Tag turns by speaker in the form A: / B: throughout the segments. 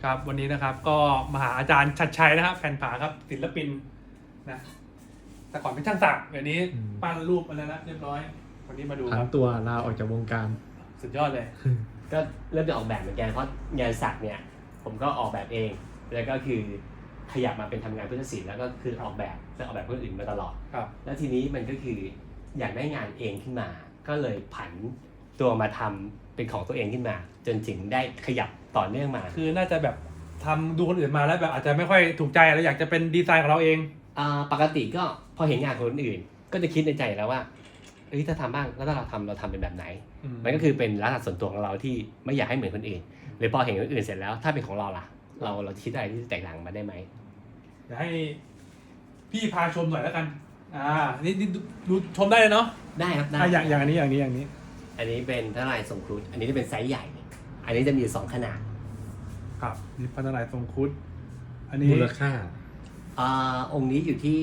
A: ครับวันนี้นะครับก็มาหาอาจารย์ชัดชัยนะครับแผ่นผาครับศิลปินนะแต่ก่อนเป็นช่างศักดิ์เดี๋ยวนี้ปั้นรูปอะไรแล้วเรียบร้อยวันนี้มาดูค
B: ผัน
A: รับ
B: ตัวลาออกจากวงการ
A: สุดยอดเลย
C: ก็เริ่มจะออกแบบเหมือนกันเพราะงานสักเนี่ยผมก็ออกแบบเองแล้วก็คือขยับมาเป็นทำงานพุทธศิลป์แล้วก็คือออกแบบและออกแบบคนอื่นมาตลอด
A: ครับ
C: แล้วทีนี้มันก็คืออยากได้งานเองขึ้นมา ก็เลยผันตัวมาทำเป็นของตัวเองขึ้นมา จนถึงได้ขยับต่อเนื่องมา
A: คือน่าจะแบบทำดูคนอื่นมาแล้วแบบอาจจะไม่ค่อยถูกใจแล้วอยากจะเป็นดีไซน์ของเราเอง
C: ปกติก็พอเห็นงานคนอื่น ก็จะคิดในใจแล้วว่าเอ้ยถ้าทำบ้างแล้วถ้าเราทำเป็นแบบไหน มันก็คือเป็นลักษณะส่วนตัวของเราที่ไม่อยากให้เหมือนคนอื่นหรือพอเห็นคนอื่นเสร็จแล้วถ้าเป็นของเราล่ะเราคิดอะไรที่แตกต่างมาได้ไหม
A: เดี๋ยวให้พี่พาชมหน่อยแล้วกันนี่ดูชมได้เลยเนาะ
C: ได้ครับได้
A: อย่างนี้
C: อันนี้เป็นพระนารายณ์ทรงครุฑอันนี้จะเป็นไซส์ใหญ่ อันนี้จะมี2ขนาด
A: ครับนี่พระนารายณ์ทรงครุฑอันนี้
B: มูลค่า
C: องค์นี้อยู่ที่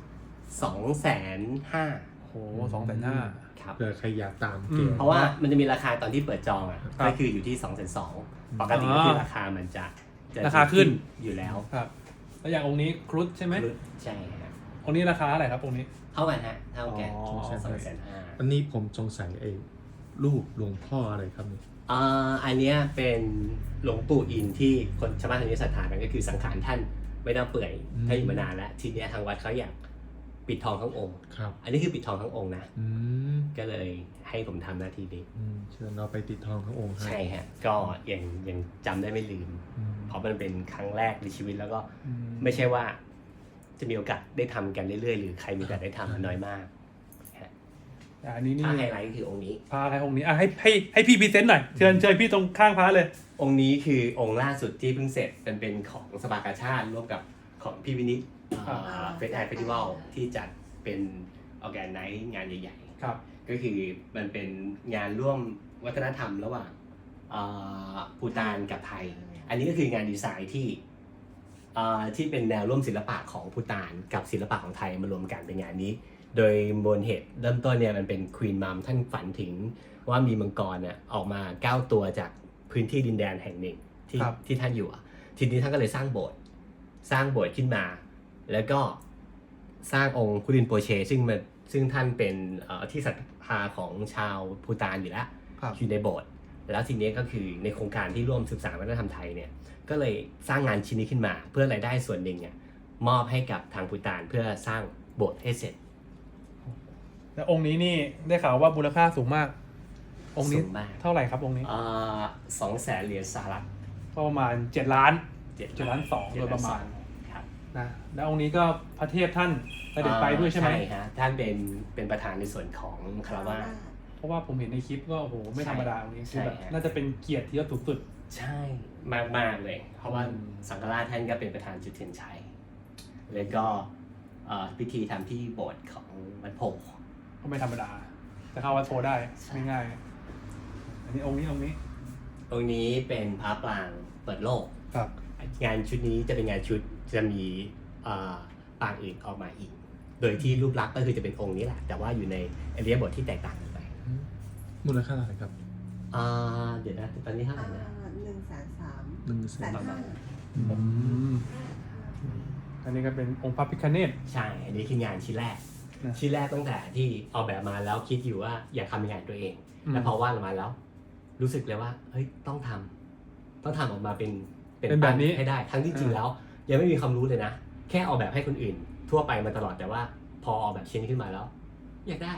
C: 250,000
A: โอ้โห250,000
C: ครับ
B: เผื่อใครอยากตามเกม
C: เพราะว่ามันจะมีราคาตอนที่เปิดจองอ่ะ
A: ครับ
C: ก็คืออยู่ที่220,000ปกติก็คือราคามันจะ
A: ราคาขึ้น
C: อยู่แล้ว
A: ครับแล้วอย่างองค์นี้ครุฑใช่ไหม
C: ใช่ฮะ
A: องค์นี้ราคาอะไรครับองค์นี้
C: เท่ากันฮะเท่ากัน
A: อ๋อ
C: 250,000
B: อันนี้ผมสงสัยไอ้รูปหลวงพ่ออะไรครับนี่
C: อันเนี้ยเป็นหลวงปู่อินที่คนชาวบ้านทางนี้ศรัทธากันก็คือสังขารท่านไม่น่าเปื่อยท่านอยู่มานานแล้วทีเนี้ยทางวัดเขาอยากปิดทองทั้งองค์
B: ครับ
C: อันนี้คือปิดทองทั้งองค์นะ
B: อืม
C: ก็เลยให้ผมทำหน้าที่นี้
B: เชิญเราไปติดทองทั้งองค์ให้
C: ใช่ฮะก็ยังจำได้ไม่ลืม
B: อืม
C: เพราะมันเป็นครั้งแรกในชีวิตแล้วก็ไม่ใช่ว่าจะมีโอกาสได้ทำกันเรื่อยๆหรือใครมีโอกาสได้ทำมันน้อยมากฮะ
A: อันนี้นี่
C: ถ้าไฮไลท์ก็คือองค์นี้
A: พาใครองค์นี้ให้พี่พรีเซนต์หน่อยเชิญพี่ตรงข้างพระเลย
C: องค์นี้คือองค์ล่าสุดที่เพิ่งเสร็จเป็นของสภากาชาติร่วมกับของพี่วินิจเฟสไอเฟสติวัลที่จัดเป็นออแกนไนท์งานใหญ่
A: ครับ
C: ๆก็คือมันเป็นงานร่วมวัฒนธรรมระหว่างภูฏานกับไทย อันนี้ก็คืองานดีไซน์ที่เป็นแนวร่วมศิลปะของภูฏานกับศิลปะของไทยมารวมกันเป็นงานนี้ โดยมูลเหตุเริ่มต้นเนี่ยมันเป็นควีนมัมท่านฝันถึงว่ามีมังกรเนี่ยออกมา9ตัวจากพื้นที่ดินแดนแห่งหนึ่งที่ท่านอยู่ทีนี้ท่านก็เลยสร้างโบสถ์ขึ้นมา แล้วก็สร้างองค์คุรินโปเชซึ่งท่านเป็นที่ศรัทธาของชาวภูฏานอยู่แล้ว
A: ครับ
C: อยู่ในโบสถ์แล้วทีนี้ก็คือในโครงการที่ร่วมศึกษาวัฒนธรรมไทยเนี่ยก็เลยสร้างงานชิ้นนี้ขึ้นมา เพื่อรายได้ส่วนหนึ่งเนี่ยมอบให้กับทางภูฏานเพื่อสร้างโบสถ์ให้เสร็จ
A: แล้วองค์นี้นี่ได้ข่าวว่ามูลค่าสูงมาก องค์นี้
C: สูงมาก
A: เท่าไหร่ครับองค์นี้
C: 200,000 เหรียญสหรัฐ
A: ก็ประมาณ7 ล้าน7 ล้าน 2โดยประมาณ
C: ครับ
A: นะแล้วองค์นี้ก็พระเทพท่านเสด็จไปด้วยใช่ไหม
C: ใช่ฮะท่านเป็นประธานในส่วนของคารวาส
A: เพราะว่าผมเห็นในคลิปก็โอ้โหไม่ธรรมดาองค์นี้คือแบบ
C: ใช่ฮะ
A: น่าจะเป็นเกียรติที่ยศสูงสุด
C: ใช่มากๆเลย เพราะว่าสังฆราชท่านก็เป็นประธานจุดเทียนชัยแล้วก็พิธีทำที่โบสถ์ของวัดโพธิ์
A: ก็ไม่ธรรมดาจะเข้าวัดโพได้ไม่ง่ายอันนี้องค์นี้
C: องค์นี้เป็นพระปรางเปิดโลก
A: ครับ
C: งานชุดนี้จะเป็นงานชุดจะมีปางอื่นออกมาอีก โดยที่รูปลักษณ์ก็คือจะเป็นองค์นี้แหละ แต่ว่าอยู่ในอริยบทที่แตกต่างกันไป
B: มูลค่าเท่าไหร่ครับ
C: เดี๋ยวนะตอนนี้เท่าไหร่นะ
B: 100,000
A: อันนี้ก็เป็นองค์พระพิฆเนศ
C: ใช่ อันนี้คืองานชิ้นแรก
A: นะ
C: ชิ้นแรกตั้งแต่ที่ออกแบบมาแล้วคิดอยู่ว่าอยากทำงานตัวเอง แล้วพอวาดออกมาแล้ว รู้สึกเลยว่าเฮ้ยต้องทำออกมาเป็น
A: เป็นแบบนี้
C: ให้ได้ ทั้งที่จริงแล้ว ยังไม่มีความรู้เลยนะ แค่ออกแบบให้คนอื่น ทั่วไปมาตลอดแต่ว่าพอออกแบบชิ้นนี้ขึ้นมาแล้ว อยากได้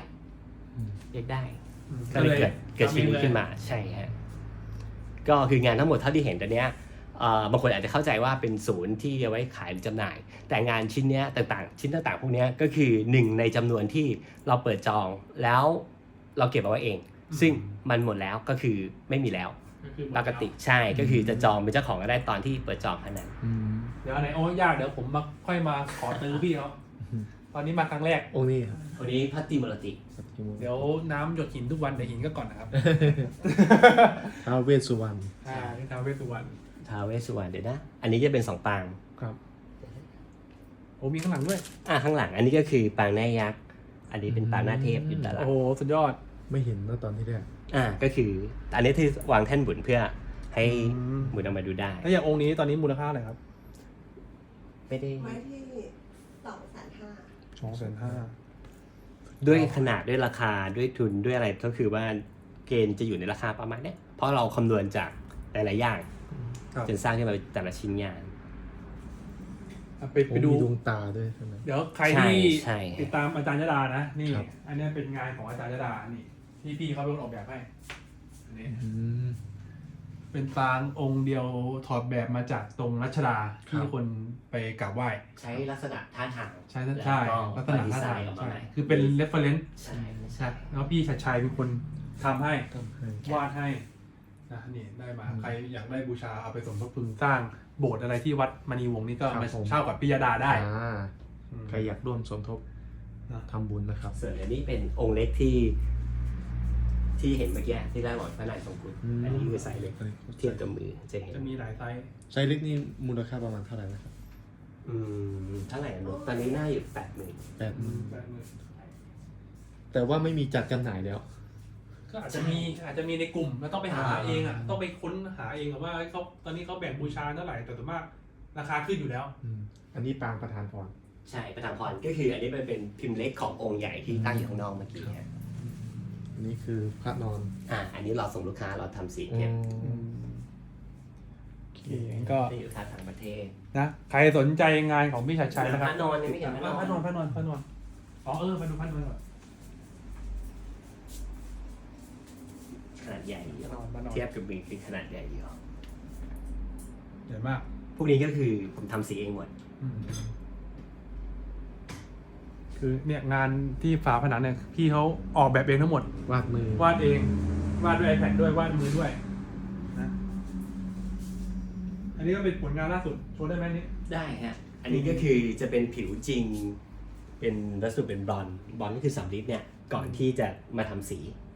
C: ก็เลยเกิดชิ้นนี้ขึ้นมาใช่ฮะก็คืองานทั้งหมดเท่าที่เห็นตอนเนี้ยบางคนอาจจะเข้าใจว่าเป็นศูนย์ที่เอาไว้ขายหรือจำหน่าย แต่งานชิ้นเนี้ยต่างๆชิ้นต่างๆพวกเนี้ยก็คือหนึ่งในจำนวนที่เราเปิดจองแล้วเราเก็บเอาไว้เอง ซึ่งมันหมดแล้วก็คือไม่มีแล้วปกติใช่ก็คือจะจองเป็นเจ้าของก็ได้ตอนที่เปิดจองเท่านั้น
A: เดี๋ยวอันไหนโอ้ยากเดี๋ยวผมมาค่อยมาขอตื้อพี่เขาตอนนี้มาครั้งแรก
B: องค์นี้ครับ
C: วันนี้พัตติมรติ
A: เดี๋ยวน้ำหยดหินทุกวันเดี๋ยวหินก็ก่อนนะครับ
B: ท้าวเวสสุวรรณ
A: นี่ท้าวเวสสุวรรณ
C: ท้าวเวสสุวรรณเดี๋ยวนะอันนี้จะเป็น2ปาง
A: ครับโอ้มีข้างหลังด้วย
C: ข้างหลังอันนี้ก็คือปางหน้ายักษ์อันนี้เป็นปางหน้าเทพอยู่ด้านหลั
A: โอ้
C: ง
A: โหสุดยอด
B: ไม่เห็นเมื่อตอนที่แรก
C: ก็คืออันนี้ที่วางแท่นบุญเพื่อให้หมุนออกมาดูได้
A: แล้วอย่างองค์นี้ตอนนี้มูลค่าอะไรครับ
C: ไม่ได้
D: ไม้ที่250,000
A: 250,000
C: ด้วยขนาดด้วยราคาด้วยทุนด้วยอะไรก็คือว่าเกณฑ์จะอยู่ในราคาประมาณเนี้ยเพราะเราคำนวณจากหลายๆอย่าง
A: ครับ
C: จนสร้างขึ้นมาเป็นแต่ละชิ้นงาน
A: ไปดู
B: มีดวงตาด้วยใช่ไหม
A: เดี๋ยวใครที่
C: ใช่
A: ติดตามอาจารย์ยดานะนี่
B: ครับ
A: อันนี้เป็นงานของอาจารย์ยดานี่ที่พี่เขาเป็นคนออกแบบให้อันนี้
B: อืม
A: เป็นปางองค์เดียวถอดแบบมาจากตรงรัชดาที่
B: ครับ
A: คนไปกราบไหว้
C: ใช้ลักษณะท่าทาง
A: ใช่
C: แล้ว
A: ใช่
C: ก็
A: ลักษณะ
C: ดี
A: ท่า
C: ไซ
A: ทาง
C: น์ออกมา
A: ใช่
C: ใหม่
A: คือเป็น reference
C: ใช่
A: ใช่แล้วพี่ชัดชัยเป็นคนทำให้
B: ทำให้
A: วาดให้นะนี่ได้มา
B: อืม
A: ใครอยากได้บูชาเอาไปสมทบทุนสร้างโบสถ์อะไรที่วัดมณีวงศ์นี่ก็
B: ครับ
A: มา
B: ผม
A: เช่ากับพิยดาได้
B: อืมใครอยากร่วมสมทบ
A: นะ
B: ทำบุญนะครับ
C: ส่วนอันนี้เป็นองค์เล็กที่เห็นเมื่อกี้ที่ได้บอกพระนายทรงคุณอันนี้คือไซส์เล็กเทียบกับมือจะเห็น
A: จะมีหลายไซส์
B: ไซส์เล็กนี่มูลค่าประมาณเท่าไหร่นะครับ
C: เท่าไหร่นะตอนนี้น่าอยู่80,000
B: 80,000
A: แบบมือ
B: แต่ว่าไม่มีจัดจำหน่ายแล้ว
A: ก็อาจจะมีในกลุ่มแล้วต้องไปหาเองอ่ะต้องไปค้นหาเองอะว่าเขาตอนนี้เขาแบ่งบูชาเท่าไหร่แต่ส่วนมากราคาขึ้นอยู่แล้ว
B: อันนี้ปางประธานพร
C: ใช่ประธานพรก็คืออันนี้มันเป็นพิมพ์เล็กขององค์ใหญ่ที่ตั้งอยู่ข้างนอกเมื่อกี้ฮะ
B: อันนี้คือพระนอน
C: อันนี้เราส่งลูกค้าเราทำสีเก็บ
A: โอเคก็
C: ที่อยู่ทางต่างประเทศ
A: นะใครสนใจงานของพี่ชัดชัยนะครับ
C: พระนอนยังไม่เห็น
A: พระนอนพระนอนอ๋อมาดูพระนอนก่อน
C: ขนาดใหญ่อยู่
A: พระนอน
C: เทียบกับมือคือขนาดใหญ่อยู่
A: ใหญ่มาก
C: พวกนี้ก็คือผมทำสีเองหมด
A: คือเนี่ยงานที่ฝาผนังเนี่ยพี่เขาออกแบบเองทั้งหมด
B: วาดมือ
A: วาดเองวาดด้วย iPad ด้วยวาดมือด้วยนะอันนี้ก็เป็นผลงานล่าสุดโชว์ได้ไหมนี่
C: ได้ฮะอันนี้ก็คือจะเป็นผิวจริง เป็นวัสดุเป็นบรอนซ์ก็คือสำริดเนี่ยก่อนที่จะมาทำสี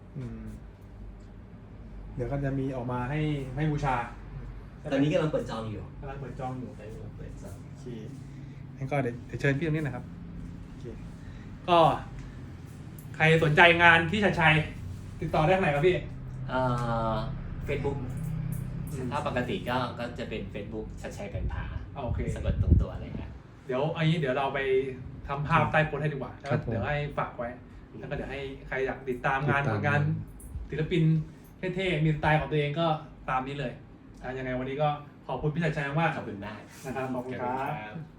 A: เดี๋ยวก็จะมีออกมาให้บูชา
C: ตอนนี้กำลังเปิดจองอยู่
A: กำลังเปิดจองอยู่
C: กำลังเปิดจอง
A: โอเคงั้นก็เดี๋ยวเชิญพี่ตรงนี้นะครับโอเคก็ ใครสนใจงานที่ชัดชัยติดต่อได้ทางไหนครับพี่
C: เฟซบุ๊กถ้าปกติก็จะเป็น Facebook ชัดชัยเป็นผา
A: โอเค
C: สะกดตรงตัวเลยครับ
A: เดี๋ยวอันนี้เดี๋ยวเราไปทำภาพใต้โพสต์ให้ดีกว่าแล้ว
B: ครับผม
A: เดี๋ยวให้ฝากไว้ แล้วก็เดี๋ยวให้ใครอยากติดตามงาน
B: ติดตาม
A: ผลงานศิลปินเท่ๆมีสไตล์ของตัวเองก็ตามนี้เลยยังไงวันนี้ก็ขอบคุณพี่ชัดชัยมาก
C: ขอบคุณมาก
A: นะครับขอบคุณครับ